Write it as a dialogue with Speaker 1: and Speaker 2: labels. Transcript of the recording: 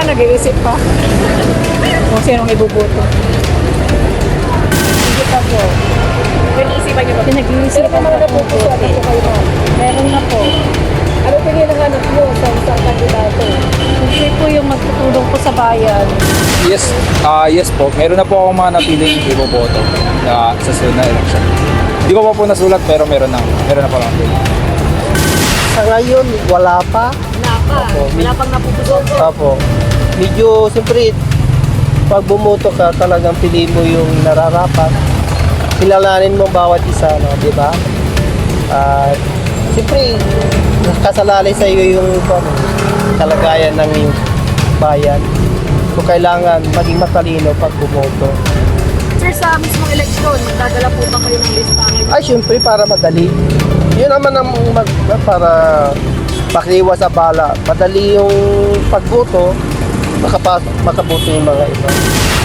Speaker 1: nag-iisip pa. Kung sinong ibuboto.
Speaker 2: Hindi pa po.
Speaker 1: Pinag-iisipan niyo ba?
Speaker 2: Pinag-iisipan pa po po. Meron na po.
Speaker 1: Ano pininahanap niyo sa isang kandidato?
Speaker 2: Hindi po yung magtutulong po sa bayan.
Speaker 3: Yes, yes po. Meron na po akong mga napiling iboboto na sa sunod na election. Hindi ko pa po nasulat pero meron na po lang.
Speaker 4: Sa ngayon, wala pa.
Speaker 1: Wala pa.
Speaker 4: Opo.
Speaker 1: Wala pang napupuson.
Speaker 4: Opo. Medyo, siyempre, pag bumoto ka, talagang pili mo yung nararapat. Kilalanin mo bawat isa, no? Di ba? At, siyempre, kasalalay sa iyo yung kalagayan ng iyong bayan. So, kailangan maging matalino pag bumoto.
Speaker 1: Sir, sa mismong eleksyon, dadala po ba kayo ng listahan?
Speaker 4: Ay, siyempre, para madali. Yun naman ang para pakliwa sa bala. Madali yung pagboto, makaboto yung mga iba.